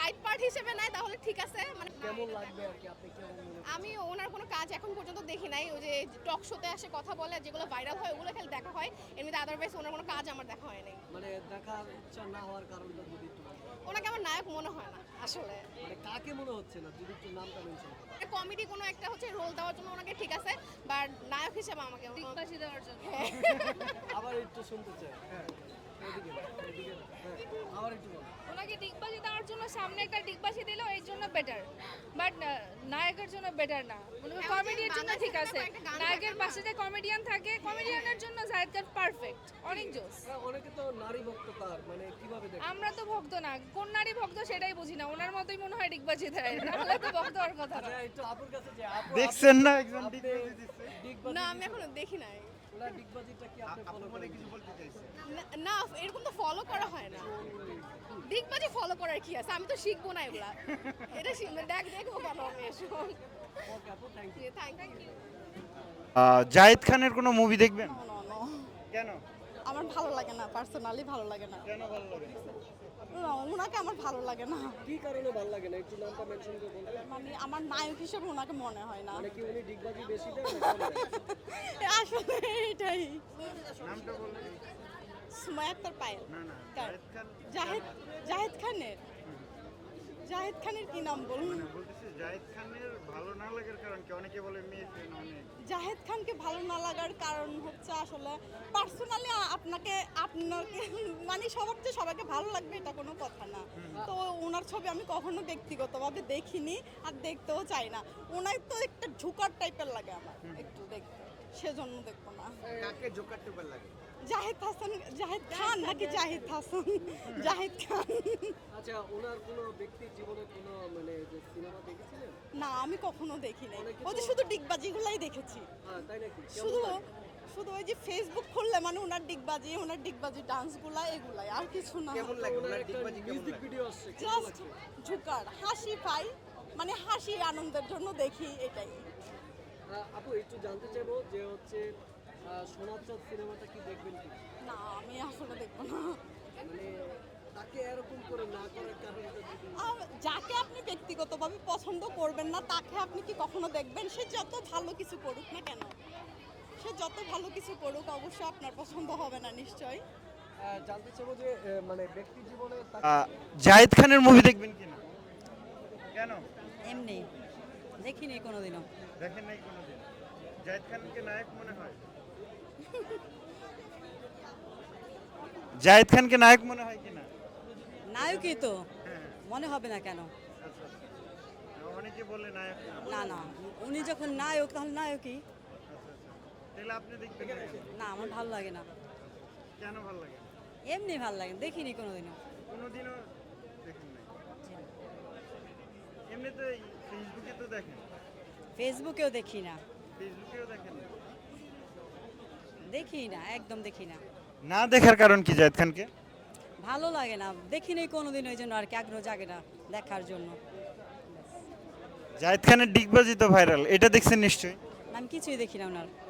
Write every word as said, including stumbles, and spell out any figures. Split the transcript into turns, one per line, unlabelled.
Side part হিসেবে নেয় তাহলে ঠিক আছে। মানে
কেমন লাগবে আর কি, আপনি কেমন মনে করছেন?
আমি ওনার কোনো কাজ এখন পর্যন্ত দেখি নাই। ওই যে টক শোতে আসে কথা বলে, যেগুলো ভাইরাল হয় ওগুলো খালি দেখা হয়, এমনিতে আদারওয়াইজ ওনার কোনো কাজ আমার দেখা হয় নাই।
মানে দেখার ইচ্ছা না হওয়ার কারণটা যদি একটু বলেন।
ওনাকে আমার নায়ক মনে হয় না আসলে।
মানে কাকে মনে হচ্ছে না, যদি একটু নামটা মেনশন করেন।
কমেডি কোনো একটা হচ্ছে রোল দেওয়ার জন্য ওনাকে ঠিক আছে, বাট নায়ক হিসেবে আমাকে
দিগবাজি দেওয়ার জন্য
আবার একটু শুনতে চাই। হ্যাঁ এদিকে এদিকে হ্যাঁ আবার একটু বলেন।
ওনাকে দিগবাজি দেওয়ার জন্য সামনে একটা দিগবাজি দিল এর জন্য বেটার, বাট নায়কের জন্য বেটার না। কমেডির জন্য ঠিক আছে, নায়কের পাশে যে কমেডিয়ান থাকে, কমেডিয়ানের জন্য জায়েদ খান পারফেক্ট, অনেক জোস।
হ্যাঁ, অনেকে তো নারী ভক্ত তার, মানে কিভাবে দেখেন?
আমরা তো ভক্ত না, কোন নারী ভক্ত সেটাই বুঝি না। ওনার মতোই মনে হয় ডিগবাজি দেয়, নাহলে তো ভক্ত হওয়ার কথা না।
আচ্ছা একটু আপুর কাছে যে আপু
দেখছেন না একজন
আপনি
ডিগবাজি দিচ্ছে?
ডিগবাজি
না আমি এখনো দেখি নাই।
ওনার ডিগবাজিটা কি আপনি ফলো করেন?
কিছু বলতে চাইছেন?
না- না এরকম তো ফলো করা হয় না। দিগবাজি ফলো করার কি আছে, আমি তো শিখবো না এগুলা। এটা শিখবে দেখ দেখবো কেন আমি এসব।
ওকে আপু, থ্যাংক ইউ।
Thank you.
আহ, জায়েদ খানের কোনো মুভি দেখবেন? কেন
আমার ভালো লাগে না, পার্সোনালি ভালো লাগে না।
কেন ভালো লাগে না?
না, ওনাকে আমার ভালো লাগে না।
কি কারণে ভালো লাগে না, একটু নামটা মেনশন করে বলতে?
মানে আমার নায়ক হিসেবে ওনাকে মনে হয় না।
মানে কি উনি ডিগবাজি বেশি দেন না কম দেন?
আসলে এটাই।
নামটা বললেন?
সুমাইয়া আক্তার পায়েল।
না না,
কার?
জায়েদ খান।
জাহেদ জাহেদ খানের জাহেদ খানের কি নাম বলুন?
মানে বলতেছি জায়েদ খানের ভালো না লাগার কারণ কি? অনেকে বলে মেয়ে ফ্যান অনেক।
জাহেদ খানকে ভালো না লাগার কারণ হচ্ছে আসলে পার্সোনালি আপনাকে আপনাকে মানে সবার চেয়ে সবাইকে ভালো লাগবে এটা কোনো কথা না। তো ওনার ছবি আমি কখনো ব্যক্তিগতভাবে দেখিনি আর দেখতেও চাই না। ওনার তো একটা ঝুকার টাইপের লাগে আমার একটু দেখতে, সেজন্য দেখবো না।
কাকে জোকার টোকার লাগে?
জাহেদ হাসান, জাহেদ খান নাকি জাহিদ হাসান? জাহেদ খান।
আচ্ছা ওনার কোনো ব্যক্তির জীবনে কোনো মানে যে সিনেমা দেখেছিলেন?
না আমি কখনো দেখি নাই, ওই যে শুধু ডিগবাজিগুলাই দেখেছি।
হ্যাঁ তাই নাকি? কেমন
শুধু
লাগে?
শুধু ওই যে ফেসবুক খুললে মানে ওনার ডিগবাজি ওনার ডিগবাজি ডান্সগুলা এগুলাই, আর কিছু না।
কেমন লাগে
ওনার
ওনার
একটা
ডিগবাজি কেমন
মিউজিক
লাগে?
ভিডিও আসছে, কেমন
জাস্ট
লাগছে?
ঝুকার হাসি পাই, মানে হাসি আনন্দের জন্য দেখি এটাই।
আহ, আপু একটু জানতে চাইবো যে হচ্ছে আহ, সোনার চাঁদ সিনেমাটা কি দেখবেন কি?
না আমি আসলে দেখবো না।
মানে তাকে এরকম করে না করার কারণটা যদি
আর যাকে আপনি ব্যক্তিগতভাবে পছন্দ করবেন না তাকে আপনি কি কখনো দেখবেন? সে যত ভালো কিছু করুক না কেন, সে যত ভালো কিছু করুক অবশ্যই আপনার পছন্দ হবে না নিশ্চয়ই।
আহ, জানতে চাইবো যে আহ, মানে ব্যক্তি জীবনে তাকে
আহ, জায়েদ খানের মুভি দেখবেন কিনা? কেন
এমনি দেখিনি কোনোদিনও।
দেখেন নাই কোনোদিন? জায়েদ খানকে নায়ক মনে হয়? জায়েদ খানকে নায়ক মনে হয় কিনা?
নায়কই তো,
হ্যাঁ
মনে হবে না কেন?
আচ্ছা আচ্ছা, অনেকে বলে নায়ক
না
না।
না, উনি যখন নায়ক তাহলে নায়কই।
আচ্ছা আচ্ছা, তাহলে আপনি দেখবেন না কেন?
না আমার ভালো লাগে না,
কেন ভালো লাগে না?
এমনি ভালো লাগে, দেখিনি কোনোদিনও।
কোনোদিনও দেখেন নাই? এমনিতে এই ফেসবুকে তো দেখেন?
ফেসবুকেও দেখি না,
ফেসবুকেও দেখেন না?
দেখি না, একদম দেখি না।
না দেখার কারণ কি জায়েদ খানকে?
ভালো লাগে না, দেখিনি কোনোদিন, ওই জন্য আর কি আগ্রহ জাগে না দেখার জন্য।
জায়েদ খানের ডিগবাজি তো ভাইরাল, এটা দেখছেন নিশ্চয়ই?
আমি কিছুই দেখি না ওনার।